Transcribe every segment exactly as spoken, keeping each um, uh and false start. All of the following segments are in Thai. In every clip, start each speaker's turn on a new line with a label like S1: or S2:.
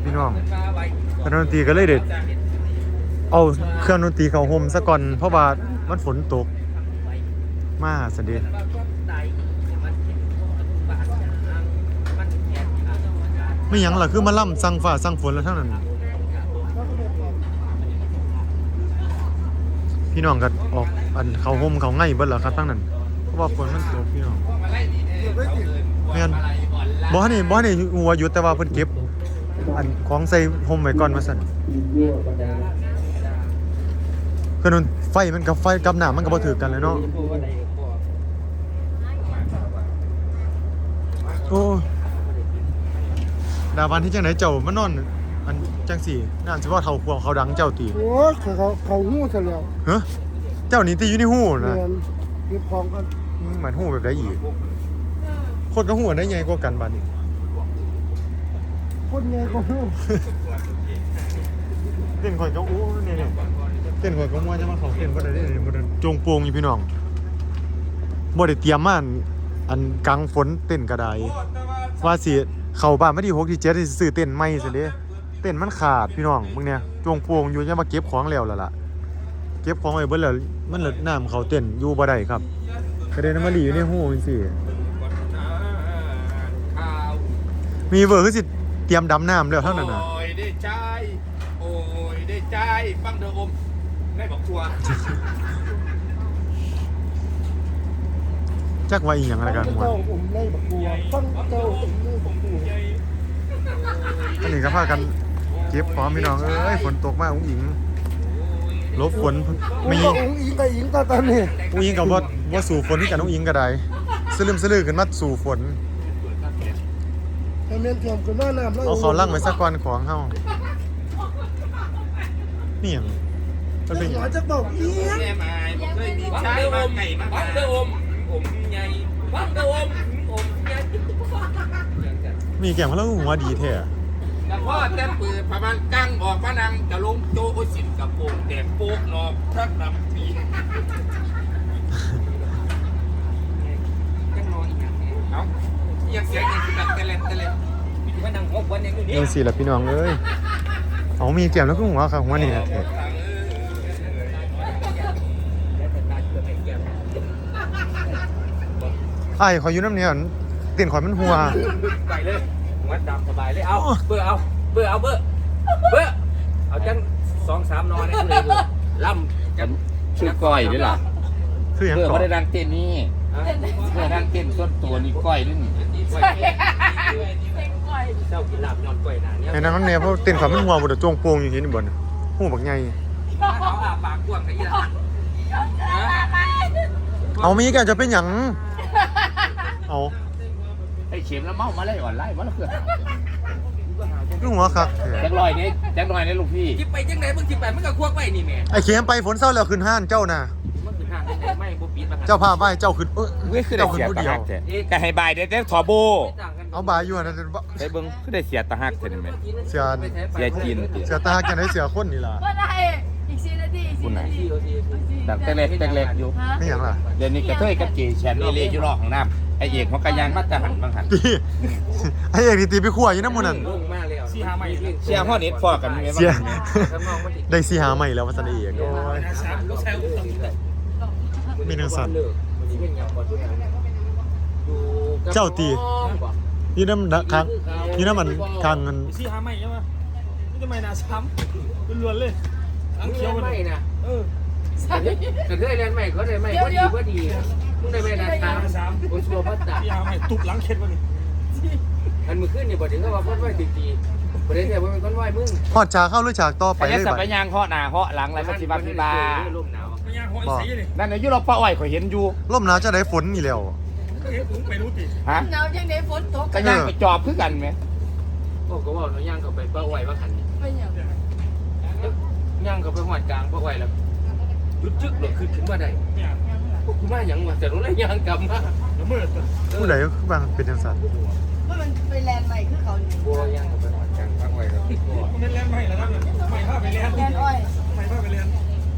S1: พี่น้องคณะดนตรีก็เลยเด็ดเอาเครื่องดนตรีเข้าห่มซะก่อนเพราะว่ามันฝนตกมาสดิไม่หยังล่ะคือมาล่ำสั่งฟ้าสั่งฝนแล้วทั้งนั้นพี่น้องก็ออกอันเขาห่มเขาไง่เบิดแล้วครับทั้งนั้นเพราะว่าฝนมันตกพี่น้องแม่นบ่นี่บ่นี่หัวอยู่แต่ว่าเพิ่นเก็บอันของใส่ห่มไว้ก่อนมาสั่นคือนั่นไฟมันกับไฟกับน้ำมันก็บ่ถือกันเลยเนาะโอ้ดาวันที่จังไหนเจ้ามานอนอันจังสี่น่าสิว่าเฒ่าพวงเขาดังเจ้าตี
S2: โอ้ยเขาเขาเขาหู้ซะแล้ว
S1: ฮะเจ้านี่ตีอยู่ในหูนะ
S2: เก็บของกัน
S1: เหมือนหูแบบได้อีกคนกับหูได้ใหญ่กว่ากันบัดนี้
S2: คนใหญ่ก็หู้
S1: เต้นข่อยก็อู้นี่นี่เต้นข่อยก็มัวจะมาเขาเต้นบ่ได้นี่บ่ได้จงโปงอยู่พี่น้องบ่ได้เตรียมมาอันกลางฝนเต้นก็ได้ว่าสิเข้าบ้านมาที่หกที่เจ็ดสิซื้อเต้นใหม่ซิเด้เต้นมันขาดพี่น้องมึงเนี่ยจงโปงอยู่จะมาเก็บของแล้วล่ะล่ะเก็บของไว้เบิดแล้วมันละน้ำเขาเต้นอยู่บ่ได้ครับก็ได้นำมาหลีอยู่ในหูจังซี่มีเวอร์คือสิเตรียมดำน้ำแล้วเท่านั้นน่ะ
S3: โอ้ยได้ใจโอ้ยได้ใจฟังเด้ออมได้บอกทัว
S1: จักว่าอีหยังอะไรกันหมด
S2: เจ้าอมได้บักบัวฟังเจ้าอมได้บักบัว
S1: อันนี้ก็พากันเก็บของพี่น้องเอ้ยฝนตกมากอุ้งอิงลบฝน
S2: มีอุ้งอิงกับอิงตาตอนนี้
S1: อุ้งอิงกับว่าว่าสู่ฝนที่กันอุ้งอิงก็ได้สลืมสลือขึ้นมาสู่ฝน
S2: แต่เมียนเทียมกันหน้าน้ำแล้ว
S1: เอาเขาลั่งไว้สักวันของเฮานี่หยังมันเป็นหยัง
S2: จะบอกอี
S3: แม่หมายบ่เคยมีชายมาไก่มาฟังเด้ออมอมใหญ่ฟังเด้ออมอมใหญ่
S1: มีแก้มเขาแล้วหัวดีแท้
S3: แต่พ่อแต่เปิดประมาณกั้งออกมานังจะลงโจโอสินกับโป่งแดงโป๊กนอกทักนำปียังนอนอีกอย่างเอ้ายังเสียงยังคือแบบเตล็ดเตล็ดมีว่านั่งหกวันยังอยู่นี่
S1: เออสิล่ะพี่น้องเอ้ยเอามีแก้มแล้วก็หัวครับหัวนี่แท้ไอ้ขออยู่น้ำเนี่ยเตียนขอยมันหัว
S3: ไปเลยหัวดำสบายเลยเอาเบอร์เอาเบอร์เอาเบอร์เบอร์เอาจังสองสามนอนนี่เลยล่ำกันชื่อก้อยด้วยล่ะ
S1: คืออย่างก่อน
S3: เบอร์เขาได้ดังเต้นนี่เบอร์ดังเต้นส่วนตัวนี่ก้อยนี่เจ้ากินหลับนอนก้อยนานเนี่ย
S1: ไอ้นั่นมันเนี่ยเพราะเตียนขอยมันหัวบนจงโปงอยู่ที่นี่บนหูบักใหญ่
S3: เขาอาปากกว้างไอ้ยี่ห้อ
S1: เอามีแกจะเป็นหยังเอา
S3: ไอ้เข็มแล้วเมามาเลยอ่อนไล่มาแล้วคือ
S1: ลูกหัวครับ
S3: แจ็คลอยนี่แจ็คลอยนี่ลูกพี่จิบไปจังไหนมึงจิบไปมึงก็ควกไปนี่แม่
S1: ไอ้เข็มไปฝนเศร้าแล้วขึ้นห้านเจ้าน่ะเจ้าพาไปเจ้าขึ้นเออ
S3: เจ้าขึ้นผู้เดียวก็ให้บายได้แต่ถอโบ
S1: เอาบายอยู่นะ
S3: ได้เบิ้งคือได้เสียตาหักเสร็จไหม
S1: เสีย
S3: เสียจีน
S1: เสียตาหักกันได้เสียคนนี่ล่ะ
S4: ก็ได้อีกสี่นาทีอีกสี่นาที
S3: ดังแต่เล็กแต่เล็กอยู่
S1: ไม่หยังล่ะ
S3: เดี๋ยวนี้กระเทยกับเจแชนเอเล่อยู่รอของน้ำไอเอกเขากระยานมาตรหันบางหัน
S1: ไอเอกนี่ตีไปขั้วอยู่น้ำมันนั่น
S3: สี่ห้าใหม่เสียห้อนี้ฟอกัน
S1: เสียได้สี่ห้าใหม่แล้วมาสันเอกมีนังสันเจ้าตีนี่น้ำค้างนี่น้ำมันค้างเงิน
S5: สี่ห้าใหม่ใช่ไหมนี่ทำไมน่าซ้ำล้วนเลย
S3: ทั้งเขียวไม่นะเออกระเทยเรียนใหม่เขาเลยใหม่ก็ดีก็ดีมึงได้ไม่นานตามโอ้ชัวร์พัดตา
S5: สี่ห้าใหม่ตุกหลังเข็ดวะนี่
S3: อันมือขึ้นเนี่ยบอกถึงก็ว่าพ้นไหวตีตีประเด็นเนี่ยว่ามันพ้นไหวมึง
S1: พอดฉากเข้าหรือฉากต่อไปเลย
S3: สับไปยางเหาะหน้าเหาะหลังอะไรก็สิบาพิบานั่นเนี่ยยุโรปป้าอ้อยข่อยเห็นอยู่
S1: ร่มหนาวจะได้ฝนนี่แล้ว
S5: ไปรู้ติ
S3: ฮะ
S4: หนาวยังได้ฝนตก
S3: ก็ย่างไปจอบคือกันไหมโอ้ก็ว่าเขาย่างเขาไปป้าอ้อยว่าขัน
S4: ไม่ยัง
S3: ย่างเขาไปหอดกลางป้าอ้อยแล้วยุดจึ๊กหลุดขึ้นขึ้นมาได้พวกคุณมาอย่างว่าแต่รู้เลยย่างกลับมา
S1: ผู้ใดบางเป็นยังสัน
S4: ว่ามันไปแลนด์ใหม่คือเขา
S3: บัวย่างเขาไปหอดกลางป้าอ้อยแล้ว
S5: มันเป็นแลนด์ใหม่แล้วนะใหม่ภาพไปแลนด์
S4: แลนด์อ้อย
S5: ใหม่ภาพไปแลนด์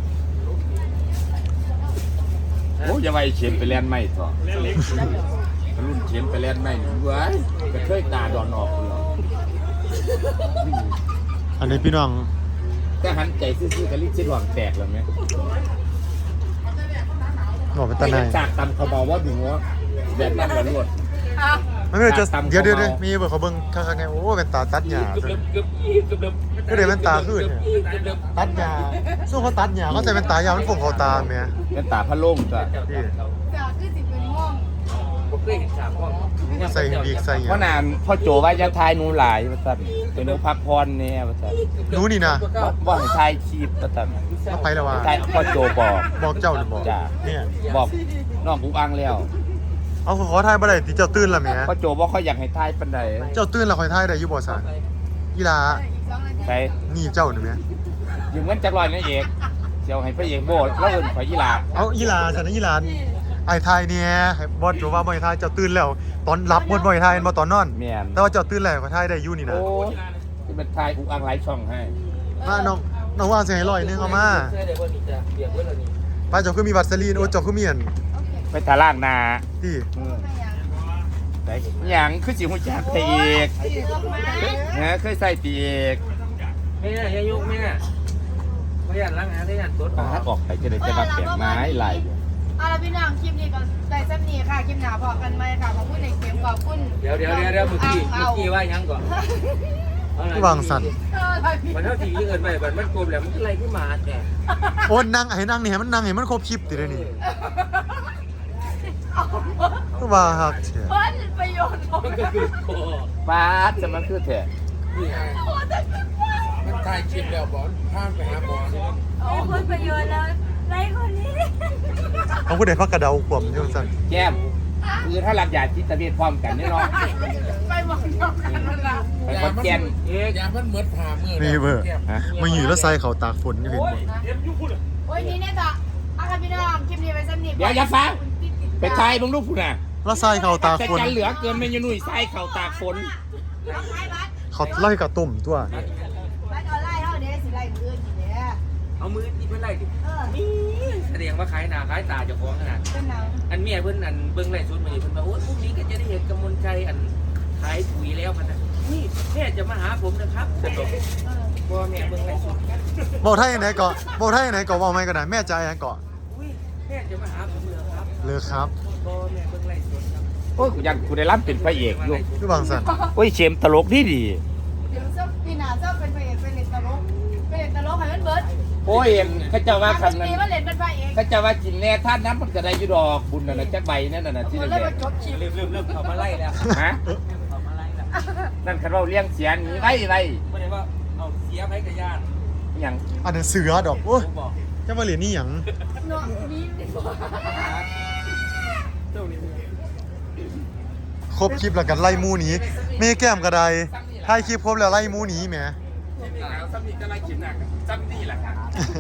S3: โอ้ยาไปเขียนไปแลนด์ใหม่ต่อรุ่นเขียนไปแลนด์ใหม่หนึ่งเว้ยกระเทยตาดอนออกเลย
S1: อันนี้พี่น้อง
S3: แต่หันใจซื่อๆกับลิ้นชิดหวังแตกแล้วไหม
S1: บอกเป็นตาไหน
S3: จากตำเขาบอกว่าถึงว่าแบบนั้นกันหมด
S4: อ่ะ
S1: ไม่เป็นจะเดี๋ยวเดี๋ยวเดี๋ยวมีเบอร์เขาเบิ้งข้างๆไงโอ้เป็นตาตัดหญ้า
S3: เกือบเกือบเกือบเกือบ
S1: ก็เดี๋ยวเป็นตาขึ้นเนี่ยตัดหญ้าสู้เขาตัดหญ้าเขาใส่เป็นตายาวมันฟงเขาตาเมีย
S3: เป็นตาพะโล่งจ้ะ
S1: นี่
S4: จากคือสิเป็นม่วง
S3: ผมเคยเห็นสามห้อง
S1: ใส่บีกใส่ห
S3: เพ
S1: ญ้า
S3: ราะนานพ่อโจว่าจะทายหนูหลายประจันเป็นหนูพักพรเนี่ยประจัน
S1: หนูนี่นะ
S3: ว่าให้ทายชีพประจัน
S1: มาไปแล้วว่า
S3: ทายพ่อโจบอก
S1: บอกเจ้าหรือบอก
S3: จ้ะ
S1: เนี่ย
S3: บอกน้องอุกอังแล้ว
S1: เอาขอทายบ่ได้ที่เจ้าตื่นละเมีย
S3: พ่อโจบอกเขาอยากให้ทายปันใด
S1: เจ้าตื่นละคอยทายได้อยู่บ่ซะกีฬา
S4: อีกสองนาที
S3: ใช่
S1: นี่เจ้าหรือเมีย
S3: ยืมเงินจักรลอยนั่นเองเจียวให้พระเอกโบดแล้วเอินขอยีลา
S1: เอากีฬาฉันนะกีฬาไอ้ทายเนี่ยให้บอสโจว่าบ่ให้ทายเจ้าตื่นแล้ว ตอนรับบนบ่ให้ทายบ่ตอนนอน
S3: เมียน
S1: แต่ว่าเจ้าตื่นแล้วก็ทายได้อยู่นี่นะ
S3: โอ้ที่เป็นทายอุกอังไลฟ์ช่องให้
S1: มาน้องน้องว่าสิให้ร้อยหนึงเอามาป้าเจ้าคือมีวัสลีนโอ้เจ้าคือมีอัน
S3: ไปทาล่างนา
S1: ที่
S3: ไหนหยังคือสิหุ่นจักรพระเอก นะเคยใส่ปีเอก
S5: แม่ยายุกแม่ไม่อยากล้างงานได้งานตัว
S3: ปาดออกไปจะได้จะมาแบ่งไม้ไหล
S4: เอาละพี่น้องคลิปนี้ก็ได้สักนี้ค่ะคลิปหน้าพอกันไหมค่ะขอบคุณในเกมขอบคุณ
S5: เดี๋ยวเดี๋ยวเดี๋ยวเดี๋ยวเมื่อกี้เมื่อกี้ว่ายังก่อน
S1: ที่วางสัน
S4: เอออะไรพี่
S5: มันเท่าที่เกินไปมันมันกลมแหละมันอะไรขึ้นมาแต่
S1: โอ้นั่งให้นั่งนี่ให้มันนั่งให้มันครบคลิปติได้นี่ก็ว่าฮักเสีย
S4: เพิ่นประโยชน์ของ
S5: มันก็คือโอ้
S3: ปาดจะมันคือแท้
S2: มันถ่ายคลิปแล้วบอลพาไปหาบอล
S4: โอ้เพิ่นประโยชน์แล้วไรคนนี้
S1: เอาผู้ใดพักกระเดาขวมอยู่สั่น
S3: แก้มคือถ้าหลับยาจิตเวชพร้อมกันแน่นอน
S4: ไปมองนอกกันนั่นล่ะ
S3: ไปคอนแก่น
S5: เอ๊ะ
S2: ยามันเหมือนผ่ามือ
S1: นี่เบอร์
S3: ฮะ
S1: มาอยู่แล้วใส่เขาตากฝนอยู่เห็นบ่
S4: โอ้ยนี่เนี่ยต่อเอาค่ะพี่น้องคลิปนี้ไปสักนิด
S3: เดี๋ยวอย่าฟังไปทายมึงลูกผู้น่ะ
S1: แล้วใส่เขาตาก
S3: แต่
S1: ฝน
S3: จันเหลือเกินเมนูหนุ่ยใส่เข่าตากฝน
S1: เขาไล่กับตุ่มตัว
S4: บัตรออนไลน์เท่านี้สิไล่มืออื่นสิเนี่ย
S5: เอามือที่เพื่อนไล่ดิ
S4: เออ
S5: นี่แสดงว่าขายหน้าขายตาเจ้าของขนาด
S4: เป็นหนัง
S5: อันเมียเพิ่นอันเบิ่งไล่สุดมานี่เพิ่นว่าโอ้ยพรุ่งนี้ก็จะได้เห็นกำมลใจอันขายปุ๋ยแล้วพันนะนี่แม่จะมาหาผมนะครับจะบอก
S4: เออ
S5: พ่อแม่เบิ่งไล่สุด
S1: บอกไทยไหนเกาะบอกไทยไหนเกาะบอกไม่ก็ได้แม่ใจไหนเกาะ
S5: อุ้ยแม่จะมาหาผมเหรอครับ
S1: เลยครับ
S5: พ่อแม่เบิ่งไล่สุดครับ
S3: โอ้ยกูยังกูได้รับเป็นพระเอกอยู่
S1: คือวางสัน
S3: โอ้ยเชมตลกดีดี
S4: เดี๋ยวเจ้าปีหน้าเจ้าเป็นพระเอกเป็นเล่นตลกเป็นเล่นตลกให้มันเบิด
S3: โอ้ยเอ็มเขาเจะว่าคันนั้น
S4: ปีว่าเล่นเป็นพระเอก
S3: เขาเจะว่ากินแน่ท่านน้ำมันจะได้อยุดอกบุญน่ะนะจักใบนั่นน่ะนะที่
S4: คน
S3: เด็
S4: เลยมา
S3: ด
S4: จบคลิป
S5: เริ่มเริ่มเริ่มเขามาไล่แล้ว
S3: ๆฮะ
S5: เขามาไล่แล้ว
S3: นั่นคันเราเลี้ยงเสียหนีไว้ไว้
S5: ไม่ได้ว่าเอาเสียไปกับญาติ
S3: หยัง
S1: อันนั้นเสือดอกโอ้ย
S5: ผมบอก
S1: จะมาเหรียญนี่หยัง
S4: เนาะมีมีบ่
S5: เจ้านี่
S1: ครบคลิปแล้วกันไล่หมูหนีเมแก้มกระไดถ่ายคลิปครบแล้วไล่หมูหนีแหม
S3: ซ้ำนี่ก็ไล่ขิมหนักซ้ำนี่แหละครับ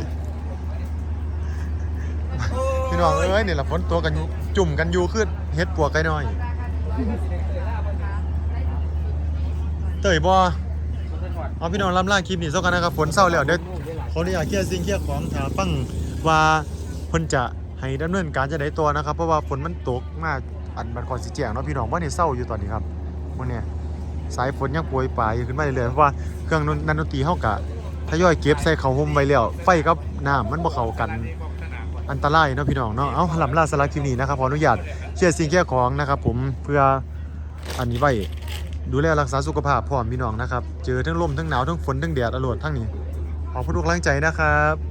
S1: พี่น้องเอ้ยนี่ละฝนตัวกันอยู่จุ่มกันอยู่คือเฮ็ดปัวไก่น้อยเตยบ่เอาพี่น้องลำล่าคลิปนี้เท่ากันนะครับฝนเศร้าแล้วเดี๋ยวขออนุญาตเคลียร์สิ่งเคลียร์ของถาฟังว่าเพิ่นจะให้ดำเนินการจะได้ตัวนะครับเพราะว่าฝนมันตกมากอันบันคอนสิแจงเนาะพี่น้องว่านี่เศร้าอยู่ตอนนี้ครับมื้อเนี้ยสายฝนยังโปรยปลายขึ้นมาเรื่อยๆเพราะว่าเครื่องนันดนตรีเฮากะทยอยเก็บใส่เข้าห่มไว้แล้วไฟกับน้ำมันบ่เข้ากันอันตรายเนาะพี่น้องเนาะเอาลำล่าสารบคลิปนี้นะครับขออนุญาตเคลียร์สิ่งเคลียร์ของนะครับผมเพื่ออันนี้ไว้ดูแลรักษาสุขภาพพร้อมพี่น้องนะครับเจอทั้งลมทั้งหนาวทั้งฝนทั้งแดดอรวดทั้งนี้ขอบคุณทุกกำลังใจนะครับ